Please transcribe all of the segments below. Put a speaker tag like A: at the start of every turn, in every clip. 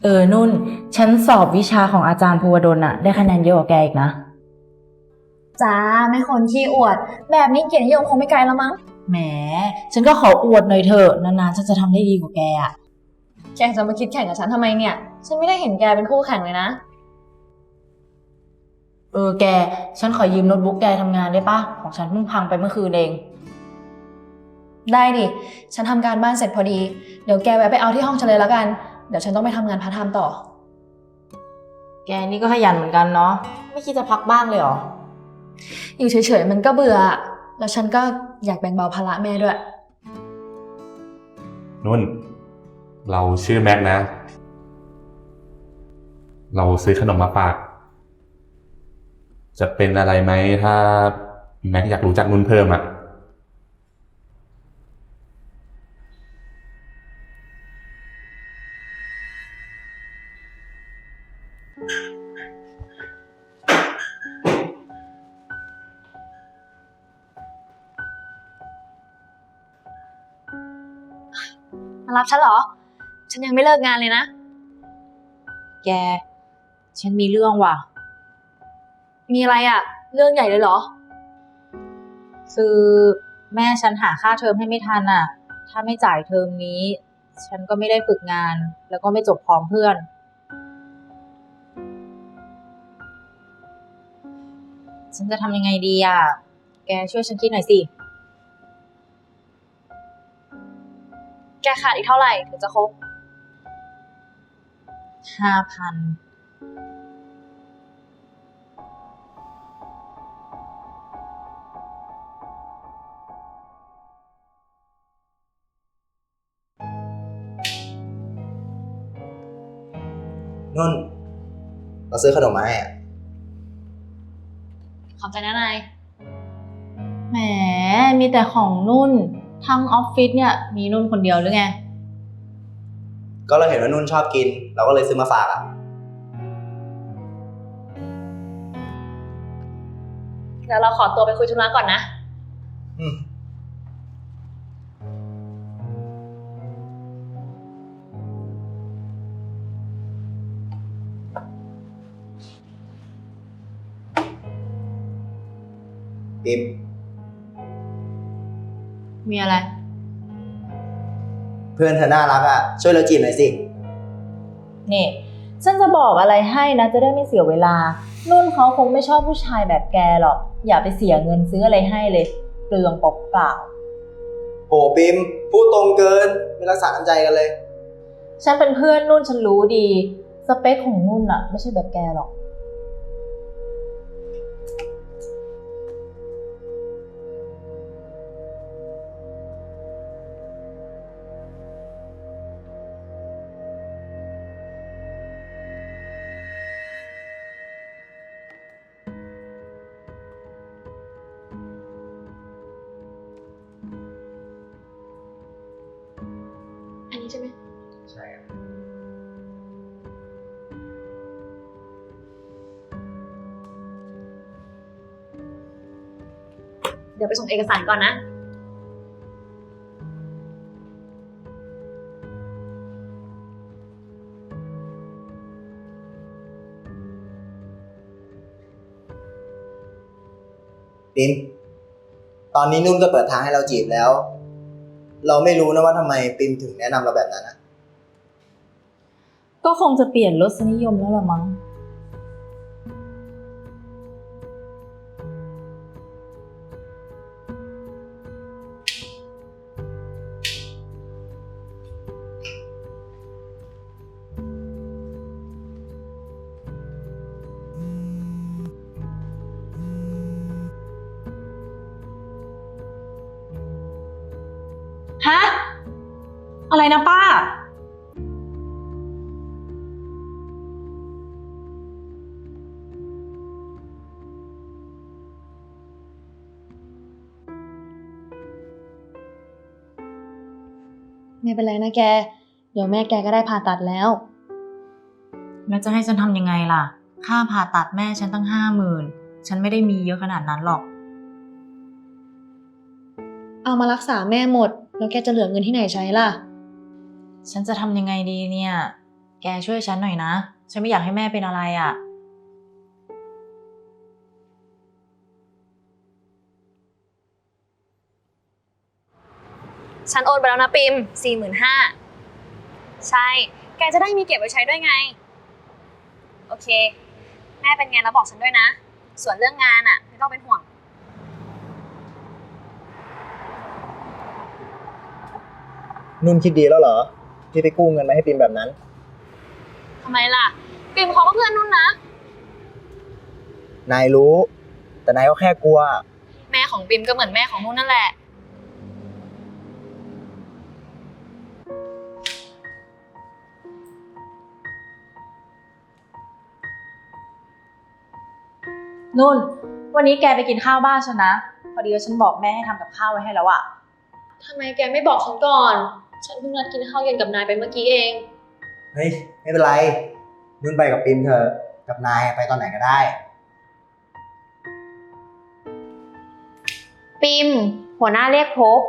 A: นุ่นฉันสอบวิชาของอาจารย์ภูวดลน่ะได้คะแนนเยอะกว่าแกอีกนะ
B: จ้าไม่คนขี้อวดแบบนี้เกียรตินิยมคงไม่ไกลแล้วมั้ง
A: แหมฉันก็ขออวดหน่อยเถอะนานๆฉันจะทำได้ดีกว่าแกอ่ะ
B: แกจะมาคิดแข่งกับฉันทำไมเนี่ยฉันไม่ได้เห็นแกเป็นคู่แข่งเลยนะ
A: แกฉันขอยืมโน้ตบุ๊กแกทำงานได้ปะของฉันเพิ่งพังไปเมื่อคืนเอง
B: ได้ดิฉันทำการบ้านเสร็จพอดีเดี๋ยวแกแวะไปเอาที่ห้องฉันเลยแล้วกันเดี๋ยวฉันต้องไปทำงานพาร์ทไทม์ต่อ
A: แกนี่ก็ขยันเหมือนกันเนาะไม่คิดจะพักบ้างเลยเหรอ
B: อยู่เฉยๆมันก็เบื่อแล้วฉันก็อยากแบ่งเบาภาระแม่ด้วย
C: นุ่นเราชื่อแม็กนะเราซื้อขนมมาฝากจะเป็นอะไรไหมถ้าแม็กอยากรู้จักนุ่นเพิ่มอ่ะ
B: มารับฉันเหรอฉันยังไม่เลิกงานเลยนะ
A: แกฉันมีเรื่องว่ะ
B: มีอะไรอะเรื่องใหญ่เลยเหรอ
A: คือแม่ฉันหาค่าเทอมให้ไม่ทันอ่ะถ้าไม่จ่ายเทอมนี้ฉันก็ไม่ได้ฝึกงานแล้วก็ไม่จบพร้อมเพื่อนฉันจะทำยังไงดีอ่ะแกช่วยฉันคิดหน่อยสิ
B: แกขาดอีกเท่าไหร่ถึงจะครบ
A: 5,000
D: นุ่นเราซื้อขนมมาให้อ่ะ
B: ขอบใจนะนาย
A: แหมมีแต่ของนุ่นทั้งออฟฟิศเนี่ยมีนุ่นคนเดียวหรือไง
D: ก็เราเห็นว่านุ่นชอบกินเราก็เลยซื้อมาฝากอ่ะ
B: เดี๋ยวเราขอตัวไปคุยธุระก่อนนะ
D: อืมปิม
A: มีอะไร
D: เพื่อนเธอน่ารักอ่ะช่วยเราจีบหน่อยสิ
A: นี่ฉันจะบอกอะไรให้นะจะได้ไม่เสียเวลานุ่นเขาคงไม่ชอบผู้ชายแบบแกหรอกอย่าไปเสียเงินซื้ออะไรให้เลยเปลืองเปล่า
D: โหปิมพูดตรงเกินไม่รักษาน้ำใจกันเลย
A: ฉันเป็นเพื่อนนุ่นฉันรู้ดีสเปคของนุ่นอะไม่ใช่แบบแกหรอก
B: อันนี้ใช่ไหม
D: ใช่
B: เดี๋ยวไปส่งเอกสารก่อนนะ
D: ปิมตอนนี้นุ่นก็เปิดทางให้เราจีบแล้วเราไม่รู้นะว่าทำไมปิมถึงแนะนำเราแบบนั้นนะ
A: ก็คงจะเปลี่ยนรสนิยมแล้วละมั้งฮะอะไรนะป้า
B: ไม่เป็นไรนะแกเดี๋ยวแม่แกก็ได้ผ่าตัดแล้ว
A: แล้วจะให้ฉันทำยังไงล่ะค่าผ่าตัดแม่ฉันตั้ง50,000ฉันไม่ได้มีเยอะขนาดนั้นหรอก
B: เอามารักษาแม่หมดแล้วแกจะเหลือเงินที่ไหนใช้ล่ะ
A: ฉันจะทำยังไงดีเนี่ยแกช่วยฉันหน่อยนะ ฉันไม่อยากให้แม่เป็นอะไรอ่ะ
B: ฉันโอนไปแล้วนะปิม45,000ใช่ แกจะได้มีเก็บไว้ใช้ด้วยไง โอเค แม่เป็นไงแล้วบอกฉันด้วยนะ ส่วนเรื่องงานอะไม่ต้องเป็นห่วง
D: นุ่นคิดดีแล้วเหรอ ที่ไปกู้เงินมาให้ปิมแบบนั้น
B: ทำไมล่ะ ปิมเขาก็เพื่อนนุ่นนะ
D: นายรู้ แต่นายก็แค่กลัว
B: แม่ของปิมก็เหมือนแม่ของนุ่นนั่นแหละ
A: นุ่น วันนี้แกไปกินข้าวบ้านฉันนะ พอดีว่าฉันบอกแม่ให้ทำกับข้าวไว้ให้แล้วอะ
B: ทำไมแกไม่บอกฉันก่อน ฉันเพิ่งนัดกินข้าวเย็นกับนายไปเมื่อกี้เอง
D: เฮ้ย ไม่เป็นไร นุ่นไปกับปิมเถอะ กับนายไปตอนไหนก็ได้
B: ปิมหัวหน้าเรียกพบ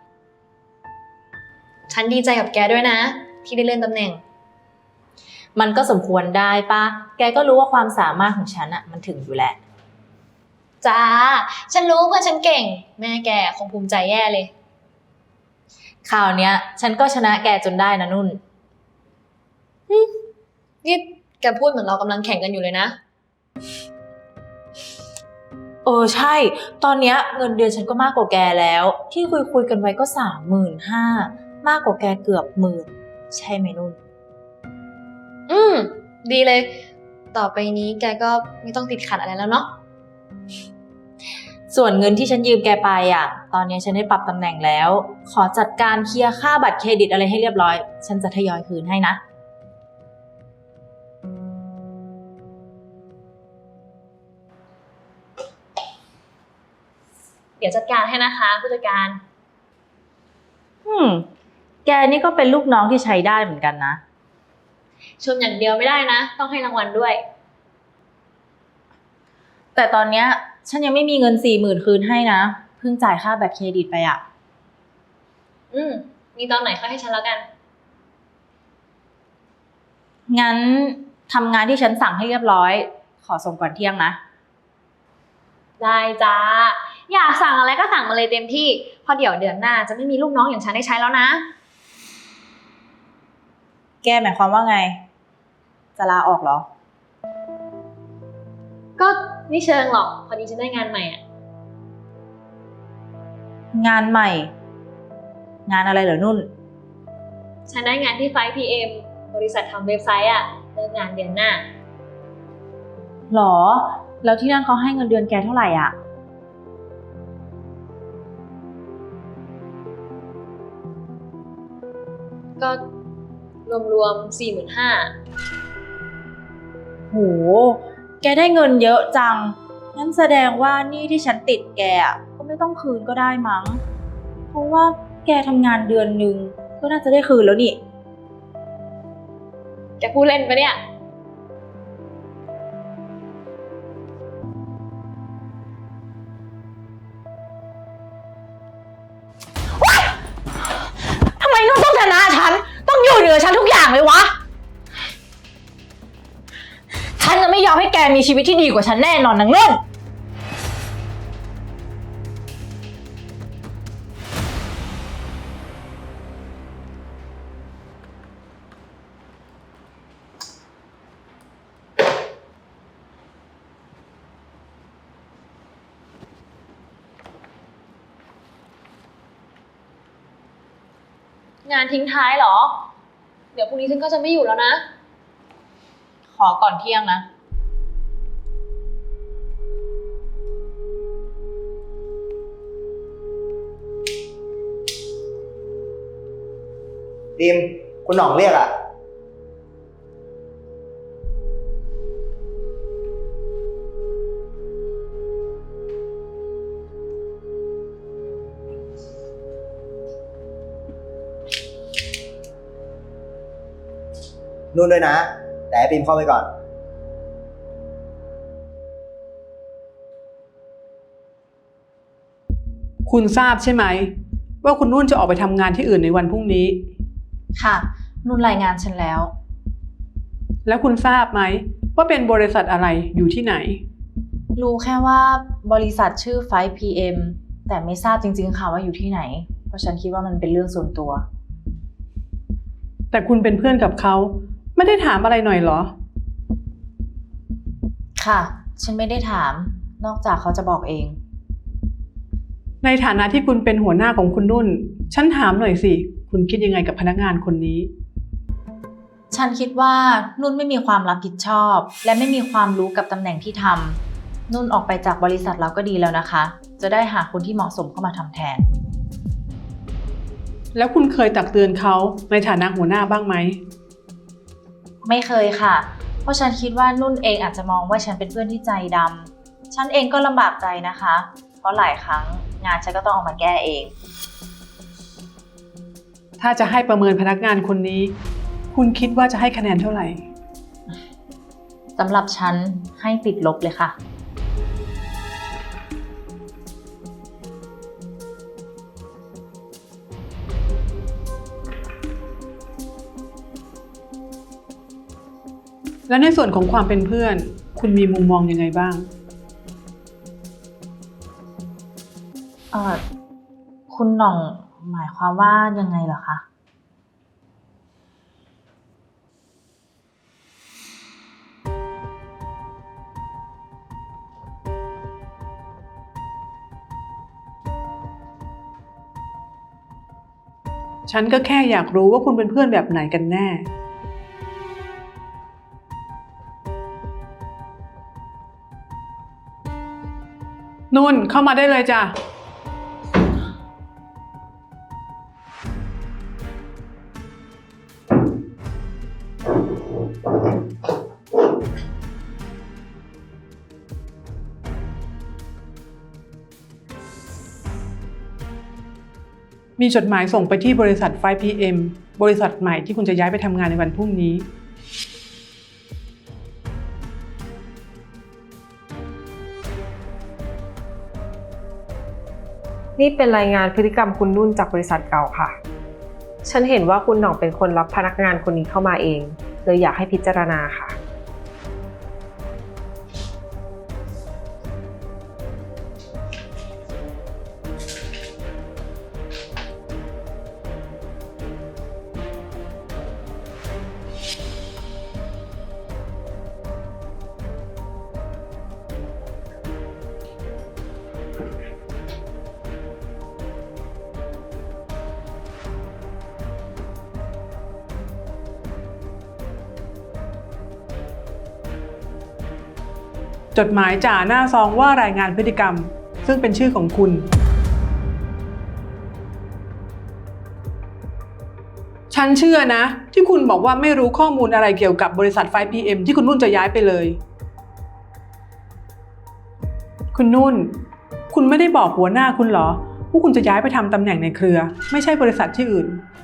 B: ฉันดีใจกับแกด้วยนะ ที่ได้เลื่อนตำแหน่ง
A: มันก็สมควรได้ปะแกก็รู้ว่าความสามารถของฉันอะมันถึงอยู่แหละ
B: จ้า ฉันรู้เพื่อนฉันเก่ง แม่แกคงภูมิใจแย่เลย
A: คราวเนี้ย ฉันก็ชนะแกจนได้นะนุ่น
B: นี่แกพูดเหมือนเรากำลังแข่งกันอยู่เลยนะ
A: ใช่ ตอนเนี้ยเงินเดือนฉันก็มากกว่าแกแล้ว ที่คุยกันไว้ก็35,000มากกว่าแกเกือบ10,000ใช่ไหมนุ่น
B: ดีเลย ต่อไปนี้แกก็ไม่ต้องติดขัดอะไรแล้วเนาะ
A: ส่วนเงินที่ฉันยืมแกไปอ่ะ ตอนนี้ฉันได้ปรับตำแหน่งแล้ว ขอจัดการเคลียร์ค่าบัตรเครดิตอะไรให้เรียบร้อย ฉันจะทยอยคืนให้นะ
B: เดี๋ยวจัดการให้นะคะผู้จัดการ
A: แกนี่ก็เป็นลูกน้องที่ใช้ได้เหมือนกันนะ
B: ชมอย่างเดียวไม่ได้นะ ต้องให้รางวัลด้วย
A: แต่ตอนเนี้ยฉันยังไม่มีเงิน40,000คืนให้นะ เพิ่งจ่ายค่าบัตรเครดิตไปอ่ะ
B: มีตอนไหนค่อยให้ฉันแล้วกัน
A: งั้นทำงานที่ฉันสั่งให้เรียบร้อย ขอส่งก่อนเที่ยงนะ
B: ได้จ้า อยากสั่งอะไรก็สั่งมาเลยเต็มที่เพราะเดี๋ยวเดือนหน้าจะไม่มีลูกน้องอย่างฉันได้ใช้แล้วนะ
A: แกหมายความว่าไง จะลาออกเหรอ
B: ก็ไม่เชิงหรอก พอดีฉันได้งานใหม่อ่ะ
A: งานใหม่ งานอะไรเหรอนุ่น
B: ฉันได้งานที่ 5PM บริษัททำเว็บไซต์อ่ะเริ่มงานเดือนหน้า
A: หรอ แล้วที่นั่นเขาให้เงินเดือนแกเท่าไหร่อ่ะ
B: ก็รวมๆ45,000
A: โห แกได้เงินเยอะจัง งั้นแสดงว่าหนี้ที่ฉันติดแกอะก็ไม่ต้องคืนก็ได้มั้ง เพราะว่าแกทำงานเดือนนึงก็น่าจะได้คืนแล้วนี่
B: แกพูดเล่นปะเนี่ย
A: ทำไมนุ่นต้องชนะฉัน ต้องอยู่เหนือฉันทุกอย่างเลยวะ ฉันจะไม่ยอมให้แกมีชีวิตที่ดีกว่าฉันแน่นอนนางนุ่น
B: งานทิ้งท้ายเหรอ เดี๋ยวพรุ่งนี้ฉันก็จะไม่อยู่แล้วนะ
A: ขอก่อนเที่ยงนะ
D: ปิม คุณหน่องเรียกอ่ะ นุ่นด้วยนะ แต่ให้ปิมเข้าไปก่อน
E: คุณทราบใช่ไหมว่าคุณนุ่นจะออกไปทำงานที่อื่นในวันพรุ่งนี้
A: ค่ะ นุ่นรายงานฉันแล้ว
E: แล้วคุณทราบไหมว่าเป็นบริษัทอะไรอยู่ที่ไหน
A: รู้แค่ว่าบริษัทชื่อ 5PM แต่ไม่ทราบจริงๆค่ะว่าอยู่ที่ไหน เพราะฉันคิดว่ามันเป็นเรื่องส่วนตัว
E: แต่คุณเป็นเพื่อนกับเขาไม่ได้ถามอะไรหน่อยเหรอ
A: ค่ะ ฉันไม่ได้ถาม นอกจากเขาจะบอกเอง
E: ในฐานะที่คุณเป็นหัวหน้าของคุณนุ่น ฉันถามหน่อยสิ คุณคิดยังไงกับพนักงานคนนี้
A: ฉันคิดว่านุ่นไม่มีความรับผิดชอบ และไม่มีความรู้กับตำแหน่งที่ทำนุ่นออกไปจากบริษัทเราก็ดีแล้วนะคะ จะได้หาคนที่เหมาะสมเข้ามาทำแทน
E: แล้วคุณเคยตักเตือนเขาในฐานะหัวหน้าบ้างไหม
A: ไม่เคยค่ะ เพราะฉันคิดว่านุ่นเองอาจจะมองว่าฉันเป็นเพื่อนที่ใจดำฉันเองก็ลำบากใจนะคะ เพราะหลายครั้งงานฉันก็ต้องเอามาแก้เอง
E: ถ้าจะให้ประเมินพนักงานคนนี้ คุณคิดว่าจะให้คะแนนเท่าไหร่
A: สำหรับฉันให้ติดลบเลยค่ะ
E: และในส่วนของความเป็นเพื่อน คุณมีมุมมองยังไงบ้าง
A: คุณหน่องหมายความว่ายังไงเหรอคะ
E: ฉันก็แค่อยากรู้ว่าคุณเป็นเพื่อนแบบไหนกันแน่ นุ่นเข้ามาได้เลยจ้ะ มีจดหมายส่งไปที่บริษัท 5PM บริษัทใหม่ที่คุณจะย้ายไปทำงานในวันพรุ่งนี้
F: นี่เป็นรายงานพฤติกรรมคุณนุ่นจากบริษัทเก่าค่ะ ฉันเห็นว่าคุณหน่องเป็นคนรับพนักงานคนนี้เข้ามาเองเลยอยากให้พิจารณาค่ะ
E: จดหมายจ่าหน้าซองว่ารายงานพฤติกรรม ซึ่งเป็นชื่อของคุณ ฉันเชื่อนะ ที่คุณบอกว่าไม่รู้ข้อมูลอะไรเกี่ยวกับบริษัท 5PM ที่คุณนุ่นจะย้ายไปเลย คุณนุ่น คุณไม่ได้บอกหัวหน้าคุณเหรอว่าคุณจะย้ายไปทำตำแหน่งในเครือ ไม่ใช่บริษัทที่อื่น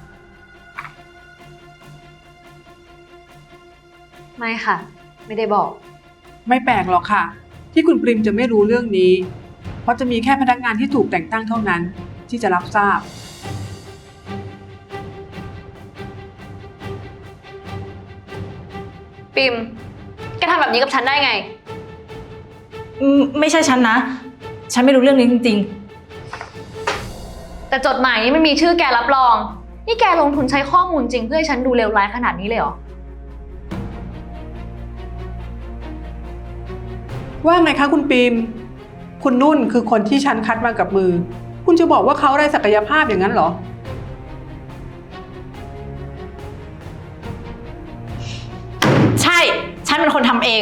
B: ไม่ค่ะ ไม่ได้บอก
E: ไม่แปลกหรอกค่ะ ที่คุณปริมจะไม่รู้เรื่องนี้ เพราะจะมีแค่พนักงานที่ถูกแต่งตั้งเท่านั้นที่จะรับทราบ
B: ปิม แกทำแบบนี้กับฉันได้ไง
A: ไม่ใช่ฉันนะ ฉันไม่รู้เรื่องนี้จริง
B: แต่จดหมายนี้มันมีชื่อแกรับรอง นี่แกลงทุนใช้ข้อมูลจริงเพื่อให้ฉันดูเลวร้ายขนาดนี้เลยเหรอ
E: ว่าไงคะคุณปิม คุณนุ่นคือคนที่ฉันคัดมากับมือ คุณจะบอกว่าเขาไร้ศักยภาพอย่างนั้นเหรอ
A: ๆ ใช่ ฉันเป็นคนทำเอง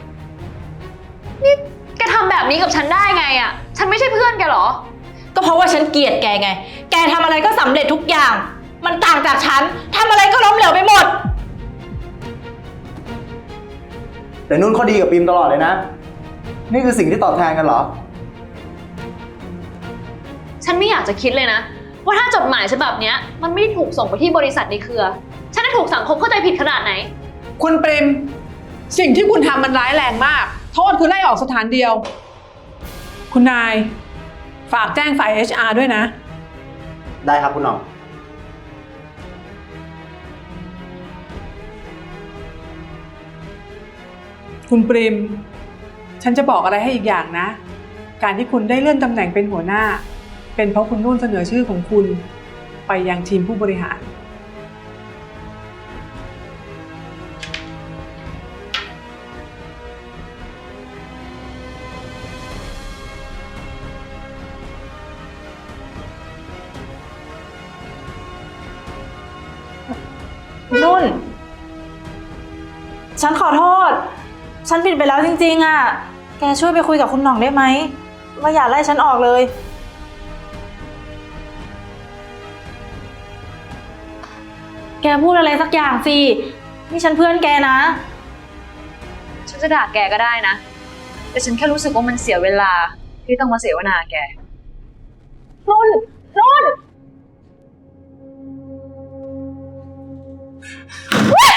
B: แกทำแบบนี้กับฉันได้ไงอะฉันไม่ใช่เพื่อนแกเหรอ
A: ก็เพราะว่าฉันเกลียดแกไง แกทำอะไรก็สำเร็จทุกอย่าง มันต่างจากฉันทำอะไรก็ล้มเหลวไปหมด
D: แต่นุ่นเขาดีกับปิมตลอดเลยนะ นี่คือสิ่งที่ตอบแทนกันเหรอ
B: ฉันไม่อยากจะคิดเลยนะ ว่าถ้าจดหมายฉบับเนี้ยมันไม่ได้ถูกส่งไปที่บริษัทในเครือ ฉันจะถูกสังคมเข้าใจผิดขนาดไหน
E: คุณปริม สิ่งที่คุณทำมันร้ายแรงมาก โทษคือไล่ออกสถานเดียว คุณนาย ฝากแจ้งฝ่าย HR ด้วยนะ
D: ได้ครับคุณหน่อง
E: คุณปริม ฉันจะบอกอะไรให้อีกอย่างนะ การที่คุณได้เลื่อนตำแหน่งเป็นหัวหน้า เป็นเพราะคุณนุ่นเสนอชื่อของคุณ ไปยังทีมผู้บริหาร
A: นุ่น ฉันขอโทษ ฉันผิดไปแล้วจริงๆอะแกช่วยไปคุยกับคุณหน่องได้ไหมว่าอย่าไล่ฉันออกเลย แกพูดอะไรสักอย่างสิ นี่ฉันเพื่อนแกนะ
G: ฉันจะด่าแกก็ได้นะ แต่ฉันแค่รู้สึกว่ามันเสียเวลาที่ต้องมาเสวนาแก
A: นุ่น นุ่น